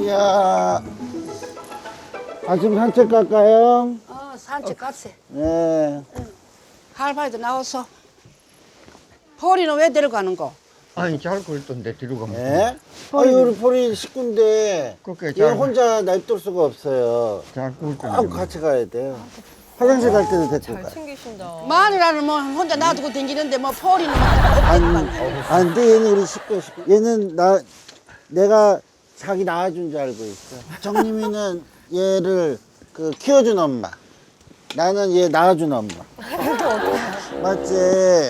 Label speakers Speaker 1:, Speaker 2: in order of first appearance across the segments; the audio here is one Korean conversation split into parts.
Speaker 1: 이야. 아침 산책 갈까요?
Speaker 2: 산책 갔어.
Speaker 1: 네.
Speaker 2: 할아버지도 나와서. 포리는 왜 데려가는 거?
Speaker 3: 아니 잘 굴던데 뒤로 가면.
Speaker 1: 네? 아니, 우리 보리 식구인데,
Speaker 3: 그렇게
Speaker 1: 얘
Speaker 3: 잘,
Speaker 1: 혼자 냅둘 수가 없어요.
Speaker 3: 잘
Speaker 1: 꼭
Speaker 3: 굴던데.
Speaker 1: 같이 가야 돼요. 화장실 갈 때도 데리고
Speaker 4: 잘
Speaker 1: 가요.
Speaker 4: 챙기신다.
Speaker 2: 마누라는 뭐 혼자 놔두고 다니는데 뭐 포리는 뭐
Speaker 1: 안 돼, 얘는 우리 식구. 얘는 내가 자기 낳아준 줄 알고 있어. 정림이는 얘를 키워준 엄마. 나는 얘 낳아준 엄마. 맞지?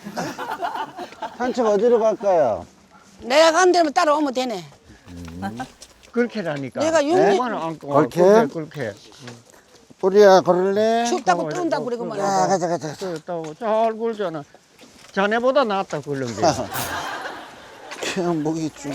Speaker 1: 산책 어디로 갈까요?
Speaker 2: 내가 간 데면 따라오면 되네.
Speaker 3: 그렇게라니까.
Speaker 2: 내가 용기-
Speaker 3: 엄마는 안고
Speaker 1: 그렇게?
Speaker 3: 그렇게.
Speaker 1: 보리야, 걸을래?
Speaker 2: 춥다고 뜬다고 그러고만.
Speaker 1: 야, 가자.
Speaker 3: 잘 굴잖아. 자네보다 낫다 굴른 게.
Speaker 1: 그냥 목이 좀.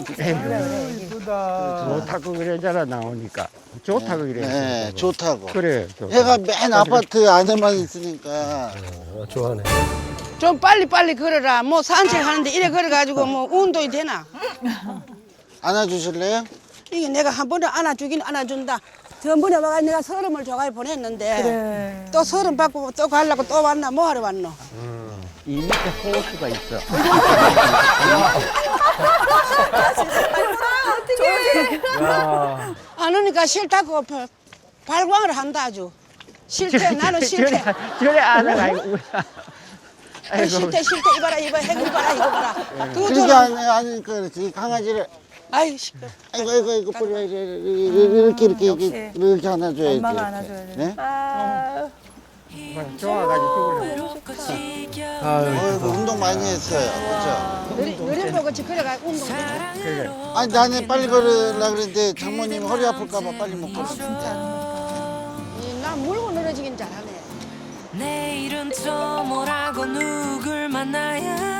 Speaker 3: 좋다고 그래잖아 나오니까. 좋다고 그래.
Speaker 1: 네, 좋다고.
Speaker 3: 그래. 좋다.
Speaker 1: 해가 맨 아파트 안에만 있으니까.
Speaker 5: 좋아하네.
Speaker 2: 좀 빨리빨리 걸어라. 뭐 산책하는데 이래 걸어가지고 뭐 운동이 되나?
Speaker 1: 안아주실래요?
Speaker 2: 이게 내가 한 번에 안아주긴 안아준다. 전번에 와가 내가 서름을 줘가 보냈는데 또 서름 받고 또 가려고 또 왔나 뭐 하러 왔노?
Speaker 3: 이 밑에 호수가 있어.
Speaker 2: 안 오니까 싫다고 발광을 한다 아주. 싫대 나는 싫대.
Speaker 3: 저래 안아가지고.
Speaker 2: 싫대 이봐라 이거 해고 봐라 이거 봐라. 그거
Speaker 1: 그렇게
Speaker 2: 저는
Speaker 1: 하니까 그렇지. 이 강아지를
Speaker 2: 아이 시끄러.
Speaker 1: 아이고 보리야 이렇게 안아줘야지.
Speaker 4: 엄마가
Speaker 1: 이렇게.
Speaker 4: 안아줘야 돼.
Speaker 1: 네?
Speaker 3: 좋아가지고
Speaker 1: 운동 많이 했어요.
Speaker 2: 느림보 같이 걸어가 운동 되지.
Speaker 3: 그래.
Speaker 1: 아니 나는 빨리 걸으려고 그랬는데 장모님 허리 아플까봐 빨리 못 걸었어.
Speaker 2: 난 물고 늘어지긴 잘하네.
Speaker 6: 내일은 또 뭐라고 누굴 만나야